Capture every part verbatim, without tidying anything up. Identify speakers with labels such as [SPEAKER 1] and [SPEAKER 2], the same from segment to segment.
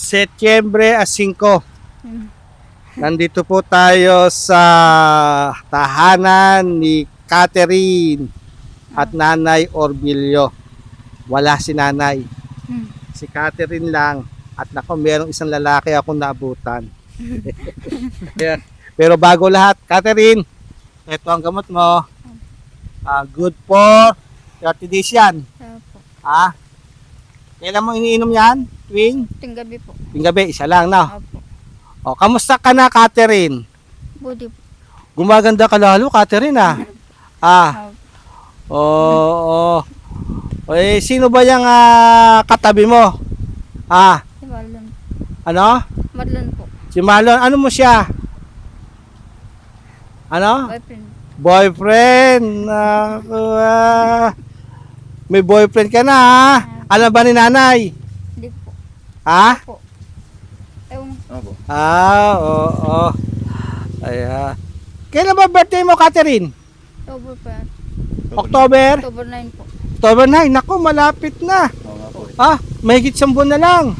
[SPEAKER 1] Setyembre singko.
[SPEAKER 2] Hmm.
[SPEAKER 1] Nandito po tayo sa tahanan ni Catherine at Nanay Orbilio. Wala si Nanay.
[SPEAKER 2] Hmm.
[SPEAKER 1] Si Catherine lang. At nako, merong isang lalaki akong naabutan. Yeah. Pero bago lahat, Catherine, ito ang gamot mo. Ah, good for thirty days yan.
[SPEAKER 2] Opo.
[SPEAKER 1] Ha? Kailan mo iniinom yan? Tuwing?
[SPEAKER 2] Ting gabi po.
[SPEAKER 1] Yung gabi, isa lang, no?
[SPEAKER 2] Opo.
[SPEAKER 1] O, kamusta ka na, Catherine?
[SPEAKER 2] Budi po.
[SPEAKER 1] Gumaganda ka lalo, Catherine, ah. Ah,
[SPEAKER 2] Opo.
[SPEAKER 1] oo. Oh, eh, sino ba yung ah, katabi mo? Ah,
[SPEAKER 2] Si Marlon.
[SPEAKER 1] ano?
[SPEAKER 2] Marlon po.
[SPEAKER 1] Si Marlon, ano mo siya? Ano?
[SPEAKER 2] Boyfriend.
[SPEAKER 1] Boyfriend. Naku, ah. May boyfriend ka na, ha? Alam ba ni nanay?
[SPEAKER 2] Hindi po.
[SPEAKER 1] Ha?
[SPEAKER 2] Po. Ewan.
[SPEAKER 3] Opo.
[SPEAKER 1] Ah, oo. Oh, Ayan. Kailan ba birthday mo, Catherine?
[SPEAKER 2] October po yan.
[SPEAKER 1] October?
[SPEAKER 2] October nine po.
[SPEAKER 1] October nine. Naku, malapit na.
[SPEAKER 3] Oo nga po.
[SPEAKER 1] Ah, mahigit isang buwan na lang.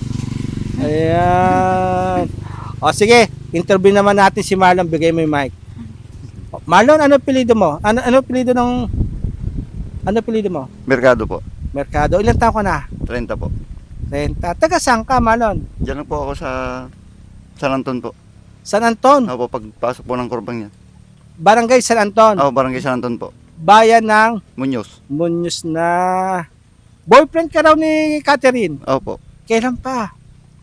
[SPEAKER 1] Ayan. O sige, interview naman natin si Marlon. Bigay mo yung mic. O, Marlon, ano pilido mo? Ano ano pilido ng ano pilido mo?
[SPEAKER 3] Merkado po.
[SPEAKER 1] Merkado. Ilan taon ka na?
[SPEAKER 3] trenta po.
[SPEAKER 1] Renta. Taga saan ka, Marlon?
[SPEAKER 3] Diyan lang po ako sa San Anton po.
[SPEAKER 1] San Anton.
[SPEAKER 3] Opo, pagpasok po ng kurbang yan.
[SPEAKER 1] Barangay San Anton.
[SPEAKER 3] Ako, barangay San Anton po.
[SPEAKER 1] Bayan ng
[SPEAKER 3] Muñoz.
[SPEAKER 1] Muñoz na. Boyfriend ka raw ni Catherine.
[SPEAKER 3] Opo.
[SPEAKER 1] Kailan pa?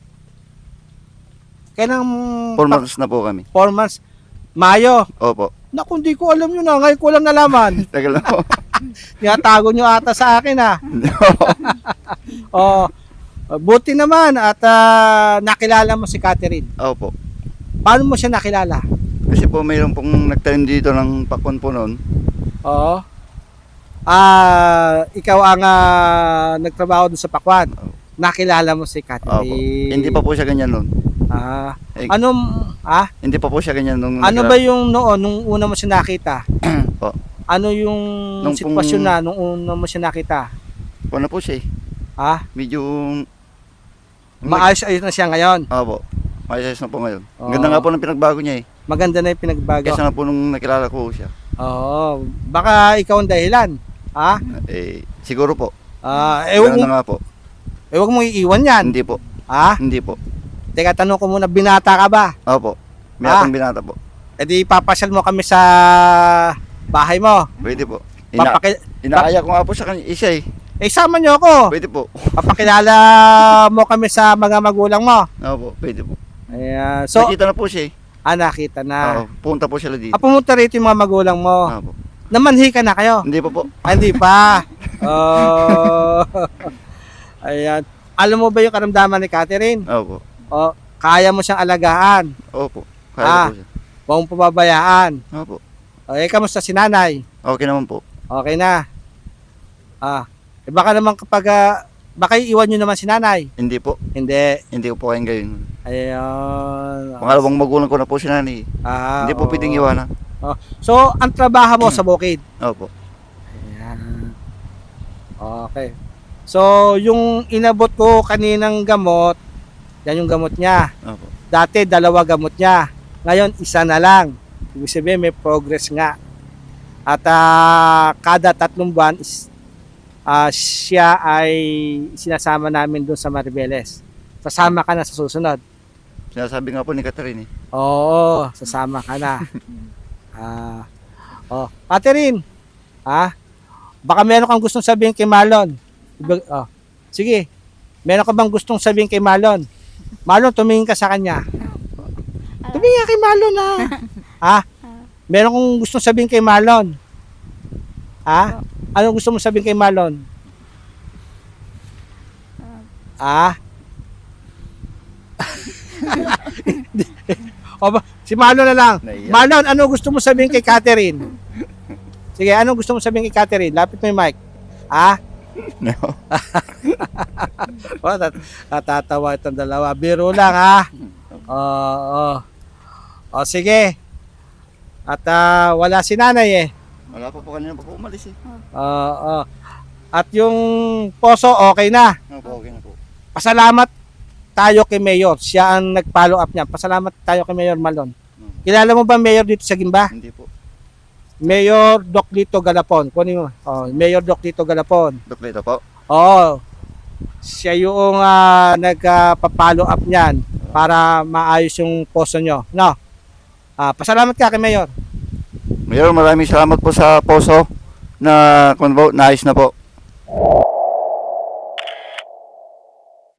[SPEAKER 1] Kailan?
[SPEAKER 3] Four months na po kami.
[SPEAKER 1] Four months. Mayo.
[SPEAKER 3] Opo.
[SPEAKER 1] Naku, hindi ko alam yun ah. Ngayon ko lang nalaman.
[SPEAKER 3] Tagal na po.
[SPEAKER 1] Tinatago nyo ata sa akin ah.
[SPEAKER 3] Hindi po.
[SPEAKER 1] Oh, buti naman at ah, nakilala mo si Catherine.
[SPEAKER 3] Opo.
[SPEAKER 1] Paano mo siya nakilala?
[SPEAKER 3] Kasi po mayroon pong nagtanim dito ng pakwan po noon.
[SPEAKER 1] Oo. Ah, ikaw ang ah, nagtrabaho doon sa Pakwan. Nakilala mo si
[SPEAKER 3] Opo.
[SPEAKER 1] Catherine.
[SPEAKER 3] Hindi pa po siya ganyan noon.
[SPEAKER 1] Ah,
[SPEAKER 3] Eh,
[SPEAKER 1] anong ah,
[SPEAKER 3] Hindi pa po siya ganyan nung
[SPEAKER 1] ano ba yung noon nung una mo siya nakita?
[SPEAKER 3] Po.
[SPEAKER 1] Ano yung
[SPEAKER 3] Nung
[SPEAKER 1] sitwasyon
[SPEAKER 3] pong-
[SPEAKER 1] na nung una mo siya nakita?
[SPEAKER 3] Ano po siya eh.
[SPEAKER 1] Ah,
[SPEAKER 3] Medyo
[SPEAKER 1] maayos-ayos na siya ngayon.
[SPEAKER 3] Opo. Maayos na po ngayon.
[SPEAKER 1] Oo.
[SPEAKER 3] Ganda nga po ng pinagbago niya eh.
[SPEAKER 1] Maganda na yung pinagbago.
[SPEAKER 3] Kesa nga po nung nakilala ko siya.
[SPEAKER 1] Oo, baka ikaw ang dahilan. Ha?
[SPEAKER 3] Eh, siguro po.
[SPEAKER 1] Ah, eh,
[SPEAKER 3] Ganun
[SPEAKER 1] wag,
[SPEAKER 3] na nga po.
[SPEAKER 1] eh, wag mo iiwan yan.
[SPEAKER 3] Hindi po.
[SPEAKER 1] Ha?
[SPEAKER 3] Hindi po.
[SPEAKER 1] Teka, tanong ko muna, binata ka ba?
[SPEAKER 3] Opo. May
[SPEAKER 1] Ah.
[SPEAKER 3] atong binata po.
[SPEAKER 1] E di papasyal mo kami sa bahay mo.
[SPEAKER 3] Pwede po. Ina
[SPEAKER 1] Papaki
[SPEAKER 3] inaaya ko nga po sa kanya isa eh.
[SPEAKER 1] eh, sama nyo ako.
[SPEAKER 3] Pwede po.
[SPEAKER 1] Papakilala mo kami sa mga magulang mo.
[SPEAKER 3] Opo, pwede po.
[SPEAKER 1] Ayan. So,
[SPEAKER 3] Nakita na po siya eh.
[SPEAKER 1] ah, nakita na.
[SPEAKER 3] Oo, punta po sila dito.
[SPEAKER 1] Ah, pumunta rito yung mga magulang mo.
[SPEAKER 3] Opo.
[SPEAKER 1] Namanhi ka na kayo?
[SPEAKER 3] Hindi pa po.
[SPEAKER 1] Ah, hindi pa. Oh. Ayan. Alam mo ba yung karamdaman ni Catherine?
[SPEAKER 3] Opo.
[SPEAKER 1] Oh, kaya mo siyang alagaan.
[SPEAKER 3] Opo. Kaya
[SPEAKER 1] Ah.
[SPEAKER 3] po siya.
[SPEAKER 1] Huwag mong pababayaan.
[SPEAKER 3] Opo.
[SPEAKER 1] Okay, kamusta si nanay?
[SPEAKER 3] Okay naman po.
[SPEAKER 1] Okay na. Ah, eh baka naman kapag ah, baka iiwan nyo naman si nanay.
[SPEAKER 3] Hindi po.
[SPEAKER 1] Hindi.
[SPEAKER 3] Hindi ko po kayang gayon.
[SPEAKER 1] Ayun.
[SPEAKER 3] Pangalawang magulang ko na po si nanay.
[SPEAKER 1] Ah,
[SPEAKER 3] Hindi po
[SPEAKER 1] oo.
[SPEAKER 3] pwedeng iwanan.
[SPEAKER 1] So, ang trabaho mo sa bukid.
[SPEAKER 3] Opo.
[SPEAKER 1] Ayan. Okay. So, yung inabot ko kaninang gamot, yan yung gamot niya.
[SPEAKER 3] Opo.
[SPEAKER 1] Dati, dalawa gamot niya. Ngayon, isa na lang. Ibig sabihin, may progress nga. At ah, kada tatlong buwan, is, ah, siya ay sinasama namin doon sa Maribeles. Sasama ka na sa susunod.
[SPEAKER 3] Sinasabi nga po ni Catherine eh.
[SPEAKER 1] Oo, sasama ka na. Ah, oh, Catherine, ah, baka meron kang gustong sabihin kay Marlon. Iba- Oh, sige, meron ka bang gustong sabihin kay Marlon? Marlon, tumingin ka sa kanya. Tumingin ka kay Marlon, ha? Ha? Meron kong gustong sabihin kay Marlon. Ha? Anong gusto mo sabihin kay Marlon? Ah? O ba, si Marlon na lang.
[SPEAKER 3] Naiyak.
[SPEAKER 1] Marlon, ano gusto mo sabihin kay Catherine? Sige, ano gusto mo sabihin kay Catherine? Lapit mo yung mic. Ah?
[SPEAKER 3] No.
[SPEAKER 1] O, tat- natatawa itong dalawa. Biro lang, ha? Oo. O, sige. At ah, wala si nanay eh.
[SPEAKER 3] Wala pa po kanina pa po umalis eh.
[SPEAKER 1] Oo. At yung poso, okay na.
[SPEAKER 3] Opo, okay na po.
[SPEAKER 1] Pasalamat tayo kay Mayor. Siya ang nag-follow up niya. Pasalamat tayo kay Mayor Malon. Kilala mo ba Mayor dito sa Gimba?
[SPEAKER 3] Hindi po.
[SPEAKER 1] Mayor Doc Lito Galapon. Kunin mo. Oh, Mayor Doc Lito Galapon.
[SPEAKER 3] Dok Lito po.
[SPEAKER 1] Oo. Siya yung uh, nagpa-follow up niyan para maayos yung poso nyo. No? Ah, pasalamat ka kay Mayor.
[SPEAKER 3] Mayor, maraming salamat po sa poso na kung po, naayos na po.